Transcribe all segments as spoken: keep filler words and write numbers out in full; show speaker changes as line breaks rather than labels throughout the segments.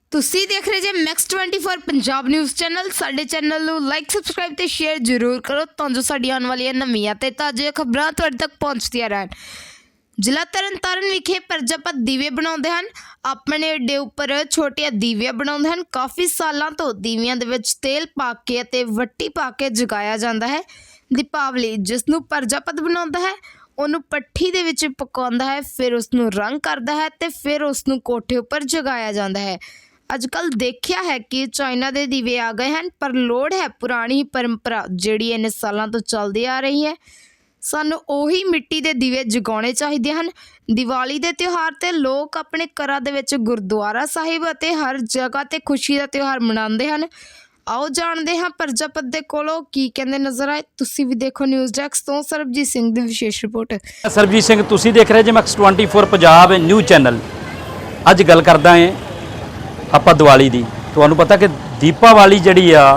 ਤੁਸੀਂ ਦੇਖ ਰਹੇ ਜੇ Max twenty four Punjab news channel. ਸਾਡੇ ਚੈਨਲ ਨੂੰ ਲਾਈਕ ਸਬਸਕ੍ਰਾਈਬ ਤੇ ਸ਼ੇਅਰ ਜ਼ਰੂਰ ਕਰੋ ਤਾਂ ਜੋ ਸਾਡੀਆਂ ਆਉਣ ਵਾਲੀਆਂ ਨਵੀਆਂ ਤੇ ਤਾਜ਼ੀਆਂ ਖਬਰਾਂ ਤੁਹਾਡੇ ਤੱਕ ਪਹੁੰਚਦੀਆਂ ਰਹਿਣ। ਜ਼ਿਲ੍ਹਾ ਤਰਨਤਾਰਨ ਵਿਖੇ ਪ੍ਰਜਾਪਤ ਦੀਵੇ ਬਣਾਉਂਦੇ ਹਨ। ਆਪਣੇ ਅੱਡੇ ਉੱਪਰ ਛੋਟੀਆਂ ਦੀਵੀਆਂ ਬਣਾਉਂਦੇ ਹਨ। ਕਾਫੀ ਸਾਲਾਂ ਤੋਂ ਦੀਵਿਆਂ ਦੇ ਵਿੱਚ ਤੇਲ ਪਾ ਕੇ ਅਤੇ ਵੱਟੀ ਪਾ ਕੇ ਜਗਾਇਆ ਜਾਂਦਾ ਹੈ। ਦੀਪਾਵਲੀ ਜਿਸ ਨੂੰ ਪ੍ਰਜਾਪਤ ਬਣਾਉਂਦਾ ਹੈ ਉਹਨੂੰ ਪੱਠੀ ਦੇ ਵਿੱਚ ਪਕਾਉਂਦਾ ਹੈ, ਫਿਰ ਉਸ ਨੂੰ ਰੰਗ ਕਰਦਾ ਹੈ ਤੇ ਫਿਰ ਉਸ ਨੂੰ ਕੋਠੇ ਉੱਪਰ ਜਗਾਇਆ ਜਾਂਦਾ ਹੈ। ਅੱਜ ਕੱਲ੍ਹ ਦੇਖਿਆ ਹੈ ਕਿ ਚਾਈਨਾ ਦੇ ਦੀਵੇ ਆ ਗਏ ਹਨ, ਪਰ ਲੋੜ ਹੈ ਪੁਰਾਣੀ ਪਰੰਪਰਾ ਜਿਹੜੀ ਇੰਨੇ ਸਾਲਾਂ ਤੋਂ ਚੱਲਦੀ ਆ ਰਹੀ ਹੈ। ਸਾਨੂੰ ਉਹੀ ਮਿੱਟੀ ਦੇ ਦੀਵੇ ਜਗਾਉਣੇ ਚਾਹੀਦੇ ਹਨ। ਦੀਵਾਲੀ ਦੇ ਤਿਉਹਾਰ ਤੇ ਲੋਕ ਆਪਣੇ ਘਰਾਂ ਦੇ ਵਿੱਚ ਗੁਰਦੁਆਰਾ ਸਾਹਿਬ ਅਤੇ ਹਰ ਜਗ੍ਹਾ ਤੇ ਖੁਸ਼ੀ ਦਾ ਤਿਉਹਾਰ ਮਨਾਉਂਦੇ ਹਨ। ਆਓ ਜਾਣਦੇ ਹਾਂ ਪ੍ਰਜਾਪਤ ਦੇ ਕੋਲੋਂ ਕੀ ਕਹਿੰਦੇ ਨਜ਼ਰ ਆਏ। ਤੁਸੀਂ ਵੀ ਦੇਖੋ ਨਿਊਜ਼ ਡੈਸਕ ਤੋਂ ਸਰਬਜੀਤ ਸਿੰਘ ਦੀ ਵਿਸ਼ੇਸ਼ ਰਿਪੋਰਟ।
ਸਰਬਜੀਤ ਸਿੰਘ ਤੁਸੀਂ ਦੇਖ ਰਹੇ ਜੇ Max twenty four Punjab news channel. ਅੱਜ ਗੱਲ ਕਰਦਾ ਹਾਂ ਆਪਾਂ ਦੀਵਾਲੀ ਦੀ। ਤੁਹਾਨੂੰ ਪਤਾ ਕਿ ਦੀਪਾਵਲੀ ਜਿਹੜੀ ਆ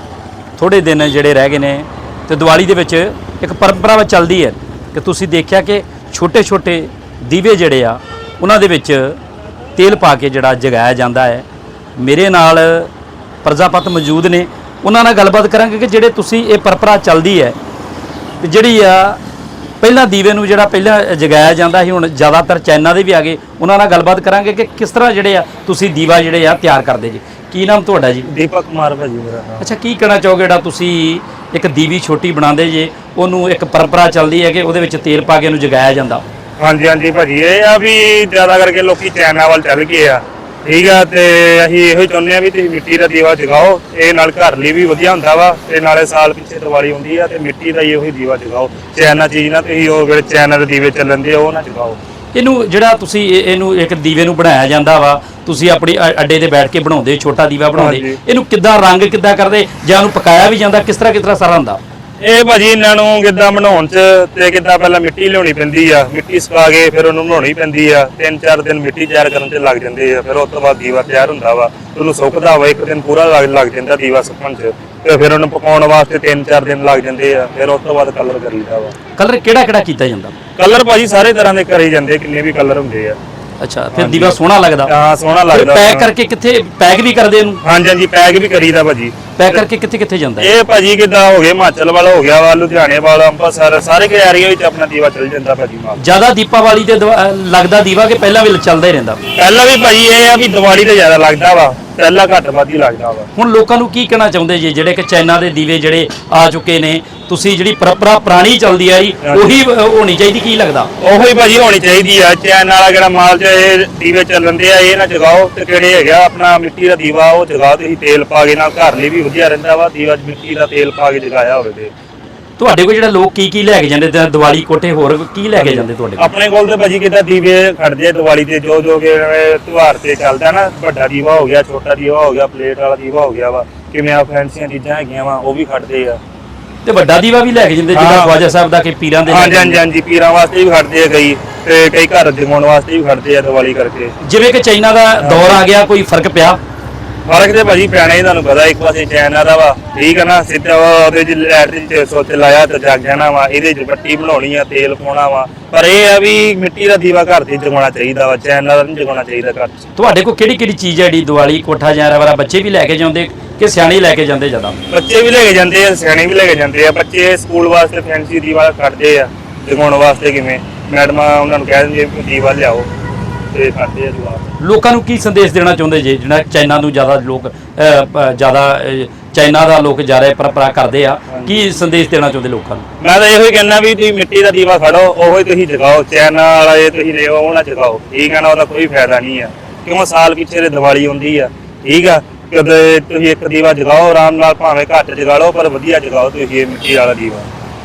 ਥੋੜੇ ਦਿਨ ਜਿਹੜੇ ਰਹਿ ਗਏ ਨੇ ਤੇ ਦੀਵਾਲੀ ਦੇ ਵਿੱਚ ਇੱਕ ਪਰੰਪਰਾ ਚੱਲਦੀ ਹੈ ਕਿ ਤੁਸੀਂ ਦੇਖਿਆ ਕਿ ਛੋਟੇ ਛੋਟੇ ਦੀਵੇ ਜਿਹੜੇ ਆ ਉਹਨਾਂ ਦੇ ਵਿੱਚ ਤੇਲ ਪਾ ਕੇ ਜਿਹੜਾ ਜਗਾਇਆ ਜਾਂਦਾ ਹੈ। ਮੇਰੇ ਨਾਲ ਪ੍ਰਜਾਪਤ ਮੌਜੂਦ ਨੇ, ਉਹਨਾਂ ਨਾਲ ਗੱਲਬਾਤ ਕਰਾਂਗੇ ਕਿ ਜਿਹੜੇ ਤੁਸੀਂ ਇਹ ਪਰੰਪਰਾ ਚੱਲਦੀ ਹੈ ਤੇ ਜਿਹੜੀ ਆ ਪਹਿਲਾਂ ਦੀਵੇ ਨੂੰ ਜਿਹੜਾ ਪਹਿਲਾਂ ਜਗਾਇਆ ਜਾਂਦਾ ਸੀ, ਹੁਣ ਜ਼ਿਆਦਾਤਰ ਚਾਈਨਾ ਦੇ ਵੀ ਆ ਗਏ। ਉਹਨਾਂ ਨਾਲ ਗੱਲਬਾਤ ਕਰਾਂਗੇ ਕਿ ਕਿਸ ਤਰ੍ਹਾਂ ਜਿਹੜੇ ਆ ਤੁਸੀਂ ਦੀਵਾ ਜਿਹੜੇ ਆ ਤਿਆਰ ਕਰਦੇ ਜੀ। ਕੀ ਨਾਮ ਤੁਹਾਡਾ ਜੀ?
ਦੀਪਕ ਕੁਮਾਰ ਭਾਜੀ ਮੇਰਾ ਨਾਮ।
ਅੱਛਾ, ਕੀ ਕਹਿਣਾ ਚਾਹੋਗੇ ਜਿਹੜਾ ਤੁਸੀਂ ਇੱਕ ਦੀਵੀ ਛੋਟੀ ਬਣਾਉਂਦੇ ਜੇ, ਉਹਨੂੰ ਇੱਕ ਪਰੰਪਰਾ ਚੱਲਦੀ ਹੈ ਕਿ ਉਹਦੇ ਵਿੱਚ ਤੇਲ ਪਾ ਕੇ ਉਹਨੂੰ ਜਗਾਇਆ ਜਾਂਦਾ?
ਹਾਂਜੀ ਹਾਂਜੀ ਭਾਜੀ, ਇਹ ਆ ਵੀ ਜ਼ਿਆਦਾ ਕਰਕੇ ਲੋਕੀ ਚਾਈਨਾ ਵੱਲ ਚੱਲ ਗਏ ਆ, ਠੀਕ ਆ। ਤੇ ਅਸੀਂ ਇਹੋ ਹੀ ਚਾਹੁੰਦੇ ਆ ਵੀ ਤੁਸੀਂ ਮਿੱਟੀ ਦਾ ਦੀਵਾ ਜਗਾਓ। ਇਹ ਨਾਲ ਘਰ ਲਈ ਵੀ ਵਧੀਆ ਹੁੰਦਾ ਵਾ ਤੇ ਨਾਲੇ ਸਾਲ ਪਿੱਛੇ ਦੀਵਾਲੀ ਹੁੰਦੀ ਆ ਤੇ ਮਿੱਟੀ ਦਾ ਹੀ ਉਹੀ ਦੀਵਾ ਜਗਾਓ। ਚਾਈਨਾ ਚੀਜ਼ ਨਾ ਤੁਸੀਂ ਉਹ ਜਿਹੜੇ ਚਾਈਨਾ ਦੇ ਦੀਵੇ ਚੱਲਣ ਦੇ ਉਹ ਨਾ ਜਗਾਓ।
ਇਹਨੂੰ ਜਿਹੜਾ ਤੁਸੀਂ ਇਹਨੂੰ ਇੱਕ ਦੀਵੇ ਨੂੰ ਬਣਾਇਆ ਜਾਂਦਾ ਵਾ, ਤੁਸੀਂ ਆਪਣੀ ਅੱਡੇ ਤੇ ਬੈਠ ਕੇ ਬਣਾਉਂਦੇ, ਛੋਟਾ ਦੀਵਾ ਬਣਾਉਂਦੇ, ਇਹਨੂੰ ਕਿੱਦਾਂ ਰੰਗ ਕਿੱਦਾਂ ਕਰਦੇ ਜਾਂ ਉਹਨੂੰ ਪਕਾਇਆ ਵੀ ਜਾਂਦਾ, ਕਿਸ ਤਰ੍ਹਾਂ ਕਿਸ ਤਰ੍ਹਾਂ ਸਾਰਾ ਹੁੰਦਾ?
ਇਹ ਭਾਜੀ ਇਹਨਾਂ ਨੂੰ ਕਿੱਦਾਂ ਬਣਾਉਣ ਚ ਤੇ ਕਿੱਦਾਂ ਪਹਿਲਾਂ ਮਿੱਟੀ ਲਿਆਉਣੀ ਪੈਂਦੀ ਆ, ਮਿੱਟੀ ਸੁਕਾ ਕੇ ਫਿਰ ਉਹਨੂੰ ਬਣਾਉਣੀ ਪੈਂਦੀ ਆ। ਤਿੰਨ ਚਾਰ ਦਿਨ ਮਿੱਟੀ ਤਿਆਰ ਕਰਨ ਚ ਲੱਗ ਜਾਂਦੇ ਆ, ਫਿਰ ਉਸ ਤੋਂ ਬਾਅਦ ਦੀਵਾ ਤਿਆਰ ਹੁੰਦਾ ਵਾ। ਉਹਨੂੰ ਸੁੱਕਦਾ ਵਾ, ਇੱਕ ਦਿਨ ਪੂਰਾ ਲੱਗ ਜਾਂਦਾ ਦੀਵਾ ਸੁੱਕਣ ਚ, ਤੇ ਫਿਰ ਉਹਨੂੰ ਪਕਾਉਣ ਵਾਸਤੇ ਤਿੰਨ ਚਾਰ ਦਿਨ ਲੱਗ ਜਾਂਦੇ ਆ। ਫਿਰ ਉਸ ਤੋਂ ਬਾਅਦ ਕਲਰ ਕਰ ਲਈਦਾ ਵਾ।
ਕਲਰ ਕਿਹੜਾ ਕਿਹੜਾ ਕੀਤਾ ਜਾਂਦਾ?
ਕਲਰ ਭਾਜੀ ਸਾਰੇ ਤਰ੍ਹਾਂ ਦੇ ਕਰੇ ਜਾਂਦੇ, ਕਿੰਨੇ ਵੀ ਕਲਰ ਹੁੰਦੇ ਆ।
ਅੱਛਾ, ਫਿਰ ਦੀਵਾ ਸੋਹਣਾ ਲੱਗਦਾ?
ਹਾਂ ਸੋਹਣਾ ਲੱਗਦਾ।
ਪੈਕ ਕਰਕੇ ਕਿੱਥੇ ਪੈਕ ਵੀ ਕਰਦੇ ਇਹਨੂੰ?
ਹਾਂਜੀ ਹਾਂਜੀ, ਪੈਕ ਵੀ ਕਰੀਦਾ ਭਾਜੀ।
ਪੈਕ ਕਰਕੇ ਕਿੱਥੇ ਕਿੱਥੇ ਜਾਂਦਾ
ਇਹ ਭਾਜੀ ਕਿੱਦਾਂ ਹੋ ਗਏ, ਹਿਮਾਚਲ ਵਾਲਾ ਹੋ ਗਿਆ ਵਾ, ਲੁਧਿਆਣੇ ਵਾਲਾ, ਅੰਮ੍ਰਿਤਸਰ, ਸਾਰੇ ਕੇ ਏਰੀਆ ਵਿੱਚ ਆਪਣਾ ਦੀਵਾ ਚੱਲ ਜਾਂਦਾ ਭਾਜੀ ਮਾਲ।
ਜ਼ਿਆਦਾ ਦੀਪਾਵਲੀ ਤੇ ਲੱਗਦਾ ਦੀਵਾ ਕਿ ਪਹਿਲਾਂ ਵੀ ਚੱਲਦਾ ਹੀ ਰਹਿੰਦਾ?
ਪਹਿਲਾਂ ਵੀ ਭਾਜੀ ਇਹ ਆ ਵੀ ਦੀਵਾਲੀ ਤੇ ਜ਼ਿਆਦਾ ਲੱਗਦਾ ਵਾ, ਪਹਿਲਾਂ ਘੱਟ ਵੱਧ ਹੀ ਲੱਗਦਾ ਵਾ।
ਹੁਣ ਲੋਕਾਂ ਨੂੰ ਕੀ ਕਹਿਣਾ ਚਾਹੁੰਦੇ ਜੀ ਜਿਹੜੇ ਕਿ ਚਾਈਨਾ ਦੇ ਦੀਵੇ ਜਿਹੜੇ ਆ ਚੁੱਕੇ ਨੇ, ਤੁਸੀਂ ਜਿਹੜੀ ਪਰੰਪਰਾ ਪੁਰਾਣੀ ਚੱਲਦੀ ਆਈ ਉਹੀ ਹੋਣੀ ਚਾਹੀਦੀ, ਕੀ ਲੱਗਦਾ?
ਉਹੀ ਭਾਜੀ ਹੋਣੀ ਚਾਹੀਦੀ ਆ। ਚਾਈਨਾ ਵਾਲਾ ਜਿਹੜਾ ਮਾਲ ਚ ਇਹ ਦੀਵੇ ਚੱਲਣ ਦੇ ਆ ਇਹ ਨਾ ਜਗਾਓ, ਤੇ ਕਿਹੜੇ ਹੈਗਾ ਆਪਣਾ ਮਿੱਟੀ ਦਾ ਦੀਵਾ ਉਹ ਜਗਾਓ। ਤੁਸੀਂ ਤੇਲ ਪਾ ਕੇ ਨਾਲ ਘਰ ਲਈ ਵੀ ਵਧੀਆ ਰਹਿੰਦਾ ਵਾ, ਦੀਵਾ ਮਿੱਟੀ ਦਾ ਤੇਲ ਪਾ ਕੇ ਜਗਾਇਆ ਹੋਵੇ ਤੇ।
ਤੁਹਾਡੇ ਕੋਲ ਜਿਹੜਾ ਲੋਕ ਕੀ ਕੀ ਲੈ ਕੇ ਜਾਂਦੇ ਦੀਵਾਲੀ ਕੋਠੇ, ਹੋਰ ਕੀ ਲੈ ਕੇ ਜਾਂਦੇ ਤੁਹਾਡੇ ਕੋਲ?
ਆਪਣੇ ਕੋਲ ਤੇ ਭਾਜੀ ਕਿੱਦਾਂ ਦੀਵੇ ਖੜਦੇ ਆ ਦੀਵਾਲੀ ਤੇ, ਜੋ ਜੋ ਕਿ ਤਿਉਹਾਰ ਤੇ ਚੱਲਦਾ ਨਾ, ਵੱਡਾ ਦੀਵਾ ਹੋ ਗਿਆ, ਛੋਟਾ ਦੀਵਾ ਹੋ ਗਿਆ, ਪਲੇਟ ਵਾਲਾ ਦੀਵਾ ਹੋ ਗਿਆ ਵਾ, ਕਿਵੇਂ ਆ ਫੈਂਸੀਆਂ ਚੀਜ਼ਾਂ ਹੈਗੀਆਂ ਵਾ ਉਹ ਵੀ ਖੜਦੇ ਆ।
ਤੇ ਵੱਡਾ ਦੀਵਾ ਵੀ ਲੈ ਕੇ ਜਾਂਦੇ ਜਿਹੜਾ ਖਵਾਜਾ ਸਾਹਿਬ ਦਾ ਕਿ ਪੀਰਾਂ ਦੇ?
ਹਾਂਜੀ ਹਾਂਜੀ ਹਾਂਜੀ, ਪੀਰਾਂ ਵਾਸਤੇ ਵੀ ਖੜਦੇ ਆ ਕਈ, ਤੇ ਕਈ ਘਰ ਜਗਾਉਣ ਵਾਸਤੇ ਵੀ ਖੜਦੇ ਆ ਦੀਵਾਲੀ ਕਰਕੇ।
ਜਿਵੇਂ ਕਿ ਚਾਈਨਾ ਦਾ ਦੌਰ ਆ ਗਿਆ, ਕੋਈ ਫਰਕ ਪਿਆ?
ਫਰਕ ਤੇ ਭਾਜੀ ਪੈਣਾ ਹੀ, ਤੁਹਾਨੂੰ ਪਤਾ ਇੱਕ ਪਾਸੇ ਚਾਈਨਾ ਦਾ ਵਾ, ਠੀਕ ਹੈ ਨਾ, ਸਿੱਧਾ ਉਹਦੇ ਚ ਲਾਈਟ ਦੇ ਸੁੱਚ ਲਾਇਆ ਤੇ ਜਗ ਜਾਣਾ ਵਾ, ਇਹਦੇ ਚ ਬੱਤੀ ਬਣਾਉਣੀ ਆ, ਤੇਲ ਪਾਉਣਾ ਵਾ। ਪਰ ਇਹ ਆ ਵੀ ਮਿੱਟੀ ਦਾ ਦੀਵਾ ਘਰ ਤੇ ਜਗਾਉਣਾ ਚਾਹੀਦਾ ਵਾ, ਚਾਈਨਾ ਦਾ ਨਹੀਂ ਜਗਾਉਣਾ ਚਾਹੀਦਾ ਘਰ ਚ।
ਤੁਹਾਡੇ ਕੋਲ ਕਿਹੜੀ ਕਿਹੜੀ ਚੀਜ਼ ਹੈ ਜਿਹੜੀ ਦੀਵਾਲੀ ਕੋਠਾ ਜਾਂ ਵਾਲਾ ਬੱਚੇ ਵੀ ਲੈ ਕੇ ਜਾਂਦੇ ਕਿ ਸਿਆਣੇ ਲੈ ਕੇ ਜਾਂਦੇ? ਜ਼ਿਆਦਾ
ਬੱਚੇ ਵੀ ਲੈ ਕੇ ਜਾਂਦੇ ਆ, ਸਿਆਣੇ ਵੀ ਲੈ ਕੇ ਜਾਂਦੇ ਆ। ਬੱਚੇ ਸਕੂਲ ਵਾਸਤੇ ਫੈਂਸੀ ਦੀਵਾ ਕੱਢਦੇ ਆ ਜਗਾਉਣ ਵਾਸਤੇ, ਕਿਵੇਂ ਮੈਡਮਾਂ ਉਹਨਾਂ ਨੂੰ ਕਹਿ ਦਿੰਦੇ ਦੀਵਾ ਲਿਆਓ ਤੇ ਕਰਦੇ ਆ ਜਵਾਬ।
ਲੋਕਾਂ ਨੂੰ ਕੀ ਸੰਦੇਸ਼ ਦੇਣਾ ਚਾਹੁੰਦੇ ਜੇ ਜਿਹੜਾ ਚਾਈਨਾ ਨੂੰ ਜ਼ਿਆਦਾ ਲੋਕ ਜ਼ਿਆਦਾ ਚਾਈਨਾ ਦਾ ਲੋਕ ਜ਼ਿਆਦਾ ਪਰੰਪਰਾ ਕਰਦੇ ਆ, ਕੀ ਸੰਦੇਸ਼ ਦੇਣਾ ਚਾਹੁੰਦੇ ਲੋਕਾਂ ਨੂੰ?
ਮੈਂ ਤਾਂ ਇਹੋ ਹੀ ਕਹਿੰਦਾ ਵੀ ਤੁਸੀਂ ਮਿੱਟੀ ਦਾ ਦੀਵਾ ਖੜੋ, ਉਹੀ ਤੁਸੀਂ ਜਗਾਓ। ਚਾਈਨਾ ਵਾਲਾ ਇਹ ਤੁਸੀਂ ਲਿਓ ਉਹ ਨਾ ਜਗਾਓ, ਠੀਕ ਹੈ ਨਾ, ਉਹਦਾ ਕੋਈ ਫਾਇਦਾ ਨਹੀਂ ਆ। ਕਿਉਂ ਸਾਲ ਪਿੱਛੇ ਦੇ ਦੀਵਾਲੀ ਹੁੰਦੀ ਆ, ਠੀਕ ਆ। ਕਦੇ ਤੁਸੀਂ ਇੱਕ ਦੀਵਾ ਜਗਾਓ ਆਰਾਮ ਨਾਲ, ਭਾਵੇਂ ਘੱਟ ਜਗਾ ਲਓ ਪਰ ਵਧੀਆ ਜਗਾਓ ਤੁਸੀਂ ਇਹ ਮਿੱਟੀ ਵਾਲਾ ਦੀਵਾ।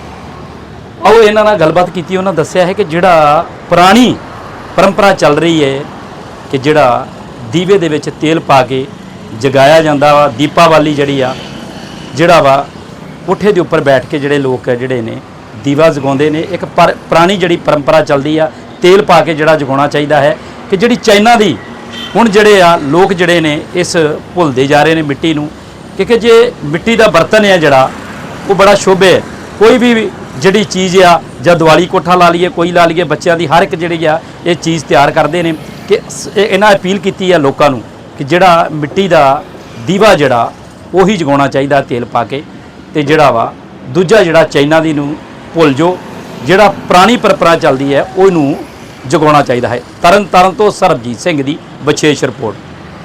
ਆਓ ਇਹਨਾਂ ਨਾਲ ਗੱਲਬਾਤ ਕੀਤੀ, ਉਹਨਾਂ ਦੱਸਿਆ ਹੈ ਕਿ ਜਿਹੜਾ ਪੁਰਾਣੀ ਪਰੰਪਰਾ ਚੱਲ ਰਹੀ ਹੈ ਕਿ ਜਿਹੜਾ ਦੀਵੇ ਦੇ ਵਿੱਚ ਤੇਲ ਪਾ ਕੇ ਜਗਾਇਆ ਜਾਂਦਾ ਵਾ। ਦੀਪਾਵਲੀ ਜਿਹੜੀ ਆ ਜਿਹੜਾ ਵਾ ਕੋਠੇ ਦੇ ਉੱਪਰ ਬੈਠ ਕੇ ਜਿਹੜੇ ਲੋਕ ਜਿਹੜੇ ਨੇ ਦੀਵਾ ਜਗਾਉਂਦੇ ਨੇ। ਇੱਕ ਪਰ ਪੁਰਾਣੀ ਜਿਹੜੀ ਪਰੰਪਰਾ ਚੱਲਦੀ ਆ, ਤੇਲ ਪਾ ਕੇ ਜਿਹੜਾ ਜਗਾਉਣਾ ਚਾਹੀਦਾ ਹੈ। ਕਿ ਜਿਹੜੀ ਚਾਈਨਾ ਦੀ ਹੁਣ ਜਿਹੜੇ ਆ ਲੋਕ ਜਿਹੜੇ ਨੇ ਇਸ ਭੁੱਲਦੇ ਜਾ ਰਹੇ ਨੇ ਮਿੱਟੀ ਨੂੰ, ਕਿਉਂਕਿ ਜੇ ਮਿੱਟੀ ਦਾ ਬਰਤਨ ਹੈ ਜਿਹੜਾ ਉਹ ਬੜਾ ਸ਼ੁਭ ਹੈ। ਕੋਈ ਵੀ ਜਿਹੜੀ ਚੀਜ਼ ਆ ਜਾਂ ਦੀਵਾਲੀ ਕੋਠਾ ਲਾ ਲਈਏ, ਕੋਈ ਲਾ ਲਈਏ, ਬੱਚਿਆਂ ਦੀ ਹਰ ਇੱਕ ਜਿਹੜੀ ਆ ਇਹ ਚੀਜ਼ ਤਿਆਰ ਕਰਦੇ ਨੇ। ਕਿ ਇਹਨਾਂ ਅਪੀਲ ਕੀਤੀ ਆ ਲੋਕਾਂ ਨੂੰ ਕਿ ਜਿਹੜਾ ਮਿੱਟੀ ਦਾ ਦੀਵਾ ਜਿਹੜਾ ਉਹੀ ਜਗਾਉਣਾ ਚਾਹੀਦਾ ਤੇਲ ਪਾ ਕੇ, ਤੇ ਜਿਹੜਾ ਵਾ ਦੂਜਾ ਜਿਹੜਾ ਚਾਈਨਾ ਦੀ ਨੂੰ ਭੁੱਲ ਜੋ, ਜਿਹੜਾ ਪੁਰਾਣੀ ਪਰੰਪਰਾ ਚੱਲਦੀ ਹੈ ਉਹਨੂੰ ਜਗਾਉਣਾ ਚਾਹੀਦਾ ਹੈ। ਤਰਨ ਤਾਰਨ ਤੋਂ ਸਰਬਜੀਤ ਸਿੰਘ ਦੀ ਵਿਸ਼ੇਸ਼ ਰਿਪੋਰਟ।